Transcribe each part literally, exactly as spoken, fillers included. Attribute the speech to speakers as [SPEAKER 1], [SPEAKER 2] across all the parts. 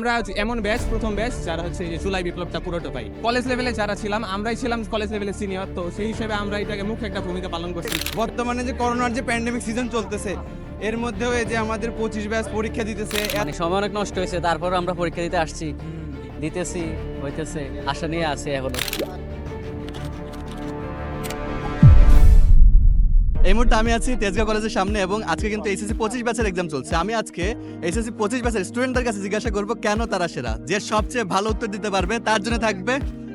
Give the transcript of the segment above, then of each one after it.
[SPEAKER 1] আমরা এমন ব্যাচ প্রথম ব্যাচ যারা হচ্ছে এই যে জুলাই বিপ্লবটা পুরোটা পাই। কলেজ লেভেলে যারা ছিলাম আমরাই ছিলাম কলেজ লেভেলে সিনিয়র, তো সেই হিসেবে আমরা এটাকে মুখ্য একটা ভূমিকা পালন করছি।
[SPEAKER 2] বর্তমানে যে করোনার যে প্যান্ডেমিক সিজন চলতেছে এর মধ্যেও এই যে আমাদের পঁচিশ ব্যাচ পরীক্ষা দিতেছে
[SPEAKER 3] মানে সময় অনেক নষ্ট হয়েছে, তারপর আমরা পরীক্ষা দিতে আসছি, দিতেছি, হইতেছে, আশা নিয়ে আছে এখনো।
[SPEAKER 4] এই মুহূর্তে আমি আছি তেজগাঁও কলেজের সামনে এবং আজকে কিন্তু এইচএসসি পঁচিশ ব্যাচের এক্সাম চলছে। আমি আজকে এইচএসসি পঁচিশ ব্যাচের স্টুডেন্টদের কাছে জিজ্ঞাসা করবো কেন তারা সেরা, যে সবচেয়ে ভালো উত্তর দিতে পারবে তার জন্য থাকবে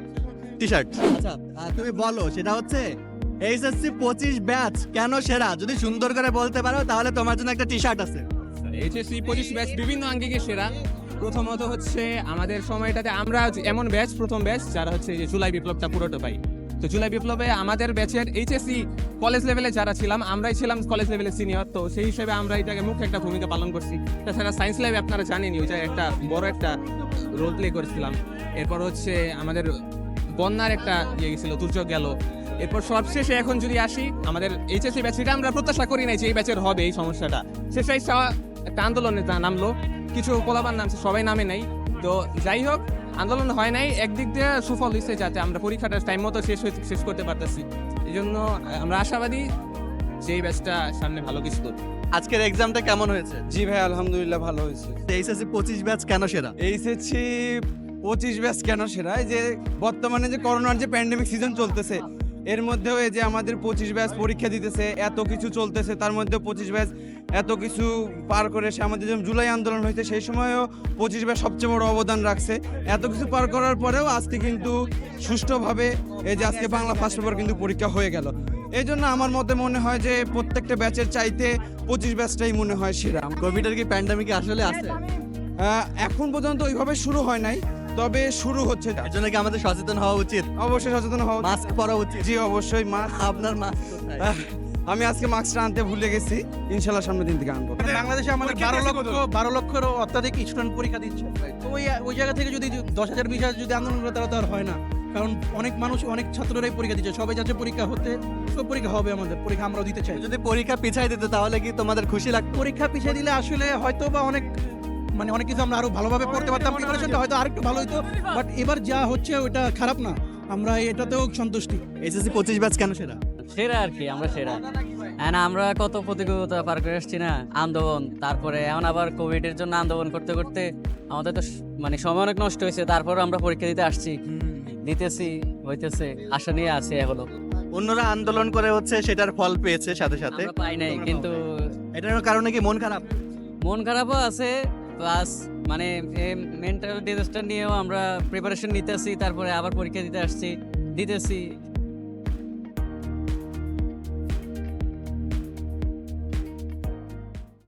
[SPEAKER 4] টি শার্ট। আচ্ছা আহ, তুমি বলো সেটা হচ্ছে এইচএসসি পঁচিশ ব্যাচ কেন সেরা, যদি সুন্দর করে বলতে পারো তাহলে তোমার জন্য একটা টি শার্ট আছে।
[SPEAKER 1] এইচএসসি পঁচিশ ব্যাচ বিভিন্ন আঙ্গিকে সেরা। প্রথমত হচ্ছে আমাদের সময়টাতে আমরা এমন ব্যাচ প্রথম ব্যাচ যারা হচ্ছে এই যে জুলাই বিপ্লবটা পুরোটা পাই। তো জুলাই বিপ্লবে আমাদের ব্যাচের এইচএসসি কলেজ লেভেলে যারা ছিলাম আমরাই ছিলাম কলেজ লেভেলে সিনিয়র, তো সেই হিসেবে আমরা এটাকে মুখ্য একটা ভূমিকা পালন করছি। তাছাড়া সায়েন্স ল্যাবে আপনারা জানেনই ওই যে একটা বড় একটা রোল প্লে করেছিলাম। এরপর হচ্ছে আমাদের বন্যার একটা ইয়ে গেছিল, দুর্যোগ গেল। এরপর সবশেষে এখন যদি আসি আমাদের এইচএসসি ব্যাচ, এটা আমরা প্রত্যাশা করি নাই যে এই ব্যাচের হবে এই সমস্যাটা। শেষে একটা আন্দোলনে নামলো, কিছু পোলাপান নামছে, সবাই নামে নাই। তো যাই হোক, আন্দোলন হয় নাই, একদিক দিয়ে সুফল হয়েছে যাতে আমরা পরীক্ষাটা টাইম মতো শেষ শেষ করতে পারতেছি। এই জন্য আমরা আশাবাদী যে এই ব্যাচটা সামনে ভালো কিছু করবে।
[SPEAKER 4] আজকের এক্সামটা কেমন হয়েছে?
[SPEAKER 2] জি ভাই আলহামদুলিল্লাহ ভালো হয়েছে।
[SPEAKER 4] এইচএসসি পঁচিশ ব্যাচ কেন সেরা?
[SPEAKER 2] এইচএসসি পঁচিশ ব্যাচ কেন সেরা, এই যে বর্তমানে যে করোনার যে প্যান্ডেমিক সিজন চলতেছে এর মধ্যেও এই যে আমাদের পঁচিশ ব্যাচ পরীক্ষা দিতেছে, এত কিছু চলতেছে, তার মধ্যে পঁচিশ ব্যাচ এত কিছু পার করে এসে আমাদের যেমন জুলাই আন্দোলন হয়েছে সেই সময়ও পঁচিশ ব্যাচ সবচেয়ে বড় অবদান রাখছে। এত কিছু পার করার পরেও আজকে কিন্তু সুষ্ঠুভাবে এই যে আজকে বাংলা ফার্স্ট পেপার কিন্তু পরীক্ষা হয়ে গেল। এই জন্য আমার মতে মনে হয় যে প্রত্যেকটা ব্যাচের চাইতে পঁচিশ ব্যাচটাই মনে হয় সেরা।
[SPEAKER 4] কোভিডের কি প্যান্ডেমিক আসলে আছে?
[SPEAKER 2] আহ, এখন পর্যন্ত ওইভাবে শুরু হয় নাই, তবে শুরু হচ্ছে।
[SPEAKER 4] এর জন্য কি আমাদের সচেতন হওয়া উচিত?
[SPEAKER 2] অবশ্যই সচেতন হওয়া উচিত।
[SPEAKER 4] মাস্ক পরা উচিত।
[SPEAKER 2] জি অবশ্যই মাস্ক।
[SPEAKER 4] আপনার মাস্ক কোথায়?
[SPEAKER 2] আমি আজকে মাস্কটা আনতে ভুলে গেছি, ইনশাল্লাহ সামনের দিন থেকে আনবো।
[SPEAKER 5] বাংলাদেশে আমাদের বারো লক্ষ বারো লক্ষেরও অত্যাধিক স্টুডেন্ট পরীক্ষা দিচ্ছে। তো ওই ওই জায়গা থেকে যদি দশ হাজার বিশ হাজার যদি আন্দোলন করে তাহলে তো আর হয় না, কারণ অনেক মানুষ অনেক ছাত্ররাই পরীক্ষা দিচ্ছে। সবাই যাচ্ছে পরীক্ষা হতে, সব পরীক্ষা হবে, আমাদের পরীক্ষা আমরাও দিতে চাই।
[SPEAKER 4] যদি পরীক্ষা পিছাই দিতে তাহলে কি তোমাদের খুশি লাগতো?
[SPEAKER 5] পরীক্ষা পিছিয়ে দিলে আসলে হয়তো বা অনেক মানে অনেক কিছু আমরা আরো ভালোভাবে পড়তে পারতাম, প্রিপারেশনটা হয়তো আরেকটু ভালো হতো। বাট এবার যা হচ্ছে ওটা খারাপ না, আমরা এটাতেও সন্তুষ্টি।
[SPEAKER 4] এইচএসসি পঁচিশ ব্যাচ কেন সেরা?
[SPEAKER 3] সেরা আর কি, আমরা সেরা। হ্যাঁ, আমরা কত প্রতিকূলতা পার করে আসছি না, আন্দোলন, তারপরে এখন আবার কোভিডের জন্য আন্দোলন করতে করতে আমাদের তো মানে সময় অনেক নষ্ট হয়েছে, তারপর আমরা পরীক্ষা দিতে আসছি, দিতেছি, হইতেছে, আশা নিয়ে আছে এখনো।
[SPEAKER 4] অন্যরা আন্দোলন করে হচ্ছে সেটার ফল পেয়েছে সাথে সাথে,
[SPEAKER 3] আমরা পাই নাই, কিন্তু
[SPEAKER 4] এটার কারণে কি মন খারাপ?
[SPEAKER 3] মন খারাপও আছে, প্লাস মানে মেন্টাল ডিজাস্টার নিয়েও আমরা প্রিপারেশন নিতেছি, তারপরে আবার পরীক্ষা দিতে আসছি, দিতেছি,